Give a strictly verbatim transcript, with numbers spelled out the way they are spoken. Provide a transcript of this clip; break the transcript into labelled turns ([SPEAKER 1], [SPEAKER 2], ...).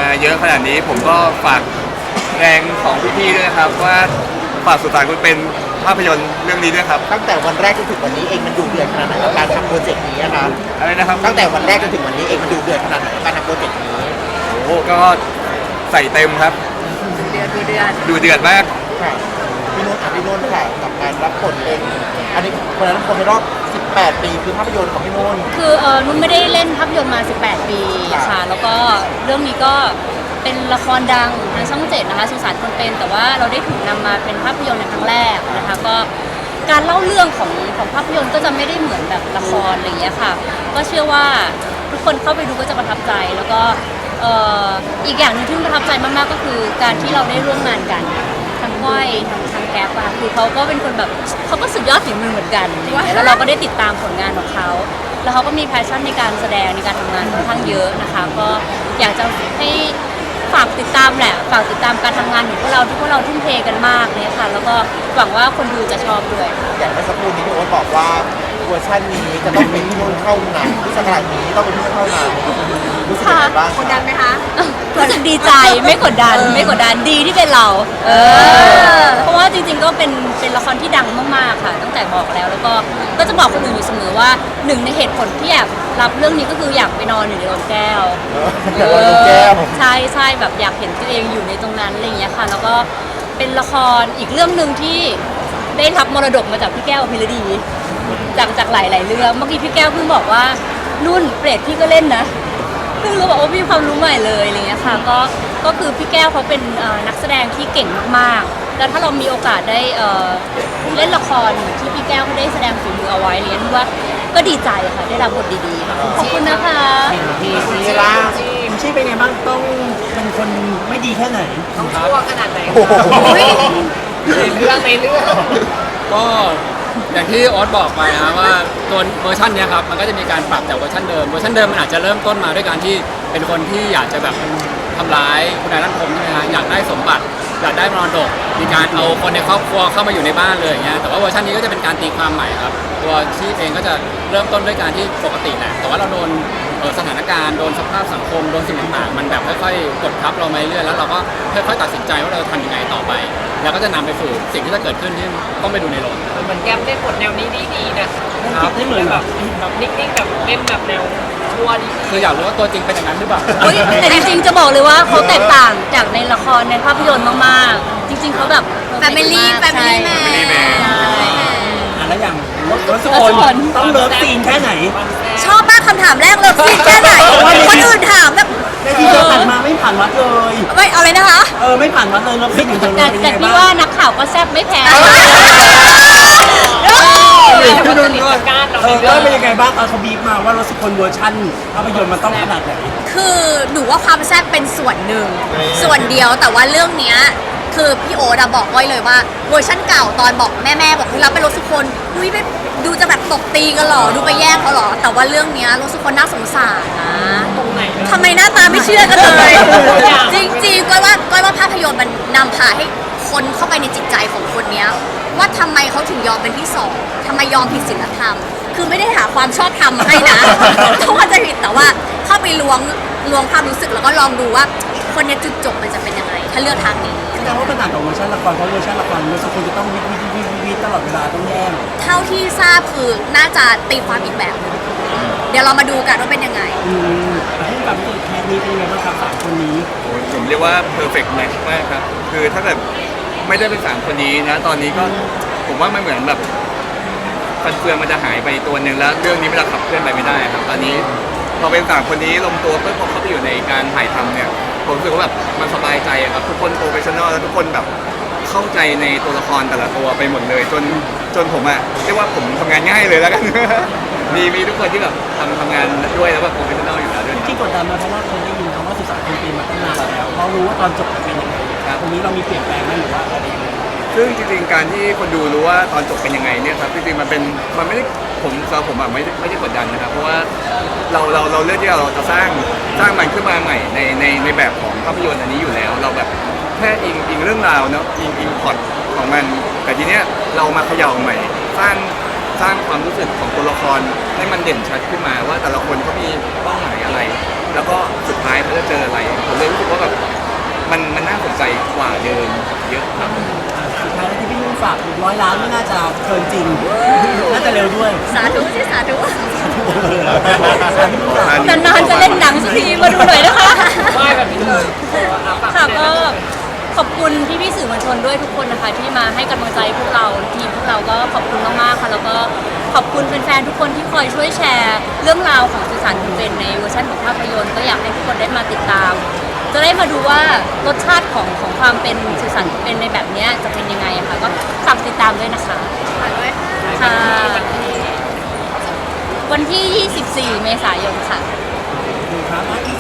[SPEAKER 1] เยอะขนาดนี้ผมก็ฝากแรงของพี่ๆด้วยนะครับว่าฝากสุสานคุณเป็นภาพยนตร์เรื่องนี้ด้วยครับ
[SPEAKER 2] ตั้งแต่วันแรกจนถึงวันนี้เองมันดูเดือดขนาดไหนกับการทำโปรเจกต์นี้นะคะ
[SPEAKER 1] อะไรนะครับ
[SPEAKER 2] ตั้งแต่วันแรกจนถึงวันนี้เองมันดูเดือดขนาดไหนกับการทำโปรเจกต์นี้
[SPEAKER 1] โอ้ก็ใส่เต็มครับ
[SPEAKER 3] เดือดดูเดือด
[SPEAKER 1] ดูเดือดมาก
[SPEAKER 2] ค่ะพี่นุ่นพี่นุ่นค่ะกับการรับบทเป็นอันนี้คนนั้นคนในรอบสิบแปดปีคือภาพยนตร์ของพี่นุ่น
[SPEAKER 3] คือเออนุ่นไม่ได้เล่นภาพยนตร์มาสิบแปดปีค่ะแล้วก็เรื่องนี้ก็เป็นละครดังทางช่องเจ็ดนะคะสุสานคนเป็นแต่ว่าเราได้ถูกนำมาเป็นภาพยนตร์ในครั้งแรกนะคะก็การเล่าเรื่องของของภาพยนตร์ก็จะไม่ได้เหมือนแบบละครอะไรอย่างเงี้ยค่ะก็เชื่อว่าทุกคนเข้าไปดูก็จะประทับใจแล้วก็เอ่ออีกอย่างหนึงที่ประทับใจมากๆก็คือการที่เราได้ร่วมงานกันทั้งก้อยทั้งทางแก๊ปอะคือเขาก็เป็นคนแบบเขาก็สุดยอดฝีมือเหมือนกันแล้วเราก็ได้ติดตามผลงานของเขาแล้วเขาก็มีแพชชั่นในการแสดงในการทำงานค่อนข้างเยอะนะคะก็อยากจะให้ฝากติดตามแหละฝากติดตามการทำงานของพวกเราที่พวกเราทุ่มเทกันมากเลยค่ะแล้วก็หวังว่าคนดูจะชอบด้วย
[SPEAKER 2] อย่างเมื่อสักครู่นี้พี่โอ๊ตบอกว่าเวอร์ชันนี้จะต้องเป็นพี่นุ่นเข้าหนังที่สถานนี้ต้องเป็นพี่นุ่นเข้าหนังรู้สึกยังไงบ้าง
[SPEAKER 3] กดดันไหมคะรู้สึกดีใจไม่กดดันไม่กดดันดีที่เป็นเราเออเพราะว่าจริงๆก็เป็นเป็นละครที่ดังมากๆค่ะตั้งแต่บอกแล้วแล้วก็ก็จะบอกคนอื่นอยู่เสมอว่าหนึ่งในเหตุผลที่อยากรับเรื่องนี้ก็คืออยากไปนอนอยู่ในโรงแก้วใช่ใช่แบบอยากเห็นตัวเองอยู่ในตรงนั้นอะไรอย่างเงี้ยค่ะแล้วก็เป็นละครอีกเรื่องหนึ่งที่ได้รับมรดกมาจากพี่แก้วพิรดีจากจากหลายๆเรื่องเมื่อกี้พี่แก้วเพิ่งบอกว่านุ่นเปรตพี่ก็เล่นนะเพิ่งรู้บอกว่ามีความรู้ใหม่เลยอะไรเงี้ยค่ะก็ก็คือพี่แก้วเขาเป็นนักแสดงที่เก่งมากๆแล้วถ้าเรามีโอกาสได้เล่นละครที่พี่แก้วเขาได้แสดงฝีมือเอาไว้เรียนว่าก็ดีใจค่ะได้รับบทดีๆขอบคุณนะคะ
[SPEAKER 2] พี่ชีล่า
[SPEAKER 4] ชี่เป็นไงบ้างต้องเป็นคนไม่ดีแค่ไหน
[SPEAKER 3] ต้องชั่วขนาดไหน
[SPEAKER 4] ในเรื่องในเรื่อง
[SPEAKER 5] ก็อย่างที่โอ๊ตบอกไปนะว่าตัวเวอร์ชันนี้ครับมันก็จะมีการปรับจากเวอร์ชันเดิมเวอร์ชันเดิมมันอาจจะเริ่มต้นมาด้วยการที่เป็นคนที่อยากจะแบบทำร้ายคุณนายรัตพงศ์ใช่ไหมฮะอยากได้สมบัติอยากได้มรดกมีการเอาคนในครอบครัวเข้ามาอยู่ในบ้านเลยอย่างเงี้ยแต่ว่าเวอร์ชันนี้ก็จะเป็นการตีความใหม่ครับตัวชีพเองก็จะเริ่มต้นด้วยการที่ปกติแหละแต่ว่าเราโดนสถานการณ์โดนสภาพสังคมโดนสิ่งต่างๆมันแบบค่อยๆกดทับเรามาเรื่อยแล้วเราก็ค่อยๆตัดสินใจว่าเราจะทำยังไงต่อไปแล้วก็จะนำไปสู่สิ่งที่จะเกิดขึ้นที่ต้องไปดูในโรง
[SPEAKER 3] เหมือนแก้มได้บทแนวนี้ดีๆนะครับ
[SPEAKER 4] ไม่เหมือนแบบ
[SPEAKER 3] แบบนิ่งๆแบบเล่นแบบแนวชัวร์ดี
[SPEAKER 5] คืออยากรู้ว่าตัวจริงเป็นอย่างนั้นหรือเปล่า
[SPEAKER 3] แต่จริงๆจะบอกเลยว่าเขาแตกต่างจากในละครในภาพยนตร์มากๆจริงๆเขาแบบ
[SPEAKER 6] แฟมิลี่แฟมิลี่แมน
[SPEAKER 4] แล้วอย่างรถสปอนต้องเลิฟซีนแค่ไหน
[SPEAKER 6] ชอบมากคำถามแรกเลิฟซีนแค่ไหนคนอื่นถามแบบ
[SPEAKER 4] ในที่เธอผ่านมาไม่ผ่านวัดเลย
[SPEAKER 6] ไม่เอาเลยนะคะ
[SPEAKER 4] เออไม่ผ่านวัดเลยเลิฟซีนอยู่เลย
[SPEAKER 3] แต่พี่ว่านักข่าวก็แซ่บไม่แพ้
[SPEAKER 4] พี่นุ่นด้วยเออแล้วเป็นยังไงบ้างตอนเขาบีบมาว่ารถสปอนเวอร์ชันภาพยนตร์มันต้องขนาดไหน
[SPEAKER 6] คือหนูว่าความแซ่บเป็นส่วนหนึ่งส่วนเดียวแต่ว่าเรื่องเนี้ยคือพี่โอ๊ตบอกก้อยเลยว่าเวอร์ชั่นเก่าตอนบอกแม่ๆบอกคือรับไปรถสุคนอุ้ยไปดูจะแบบตบตีกันหรอดูไปแย่งเขาหรอแต่ว่าเรื่องเนี้ยรถสุคนน่าสงสารนะ
[SPEAKER 3] ตรงไหน
[SPEAKER 6] ทำไมหน้าตาไม่เชื่อกันเลยจริงๆก้อยว่าก้อยว่าภาพยนตร์มันนำพาให้คนเข้าไปในจิตใจของคนเนี้ยว่าทำไมเขาถึงยอมเป็นที่สองทำไมยอมผิดศีลธรรมคือไม่ได้หาความชอบธรรมมาให้นะเขาอาจจะผิดแต่ว่าเข้าไปล้วงล้วงความรู้สึกแล้วก็ลองดูว่าคนนี้จุดจบมันจะเป็นยังไงถ้าเลือกทางนี้
[SPEAKER 4] แสดงว่ามันต่างกับเวอร์ชันละครเพราะเวอร์ชันละครเวอร์ชันคนจะต้องวิวิวิวิวิตลอดเวลาต้องแย่ง
[SPEAKER 6] เท่าที่ทราบคือน่าจะตีความอีกแบบนึงเดี๋ยวเรามาดูกันว่าเป็นยังไง
[SPEAKER 4] อืมให้กับพี่แคทนี้เป็นยังไงบ้างครับสามคนนี้
[SPEAKER 1] ผมเรียกว่า perfect match มากครับคือถ้าแบบไม่ได้เป็นสามคนนี้นะตอนนี้ก็ผมว่ามันเหมือนแบบฟันเฟืองมันจะหายไปตัวหนึ่งแล้วเรื่องนี้มันจะขับเคลื่อนไปไม่ได้ครับตอนนี้พอเป็นสามคนนี้ลงตัวเพื่อพอเขาไปอยู่ในการถ่ายทำเนี่ยผมรู้สึกว่าแบบมันสบายใจครับทุกคนโปรเฟชชั่นอลแล้วทุกคนแบบเข้าใจในตัวละครแต่ละตัวไปหมดเลยจนจนผมอะเรียกว่าผมทำงานง่ายเลยแล้วกันมีมีทุกคนที่แบบทำทำงานด้วยแล้วแบบโปรเฟชชั่นอลอยู่แล้วด้วย
[SPEAKER 4] ที่กดดันมาเพราะว่าคนได้ยินคำว่าสุสานคนเป็นมาตั้งนานแล้วเขารู้ว่าตอนจบจะเป็นยังไงตรงนี้เรามีเปลี่ยนแปลงไหมหรือว่าอะไร
[SPEAKER 1] ซึ่งจริงๆการที่คนดูรู้ว่าตอนจบเป็นยังไงเนี่ยครับจริงๆมันเป็นมันไม่ได้ผมสำหรับผมอะไม่ไม่ได้กดดันนะครับเพราะว่าเราเราเราเลือกที่เราจะสร้างสร้างมันขึ้นมาใหม่ในในในแบบของภาพยนตร์อันนี้อยู่แล้วเราแบบแค่อิงอิงเรื่องราวเนาะอิงอิงพล็อตของมันแต่ทีเนี้ยเรามาเขย่าใหม่สร้างสร้างความรู้สึกของตัวละครให้มันเด่นชัดขึ้นมาว่าแต่ละคนเขามีเป้าหมายอะไรแล้วก็สุดท้ายเขาจะเจออะไรผมเลยรู้สึกว่าแบบใจกว่าเดิมเยอะครับ
[SPEAKER 4] สุดท้ายแล้วที่พี่นุ่นฝากร้อยล้านไม่น่าจะเกินจริง น่าจะเร็วด้วย
[SPEAKER 6] สาธุสิสาธุ
[SPEAKER 3] นานๆจะเล่นหนังสักทีมาดูหน่อยนะคะ
[SPEAKER 5] ไหว้แบบนี้เลย
[SPEAKER 3] ค่ะก็ขอบคุณพี่ๆสื่อมวลชนด้วยทุกคนนะคะที่มาให้กำลังใจพวกเราทีมพวกเราก็ขอบคุณมากๆค่ะแล้วก็ขอบคุณแฟนๆทุกคนที่คอยช่วยแชร์ เรื่องราวของสุสานคุณเป็นในเวอร์ชันของภาพยนตร์ก็อยากให้ทุกคนได้มาติดตาม จะได้มาดูว่ารสชาติของของความเป็นสุสานคุณเป็นในแบบเนี้ยจะเป็นยังไงอะค่ะก็ฝากติดตามด้วยนะคะ
[SPEAKER 6] ฝากด้วยค่ะ
[SPEAKER 3] ค่ะวันที่ ยี่สิบสี่ เมษายนค่ะ
[SPEAKER 4] ครับ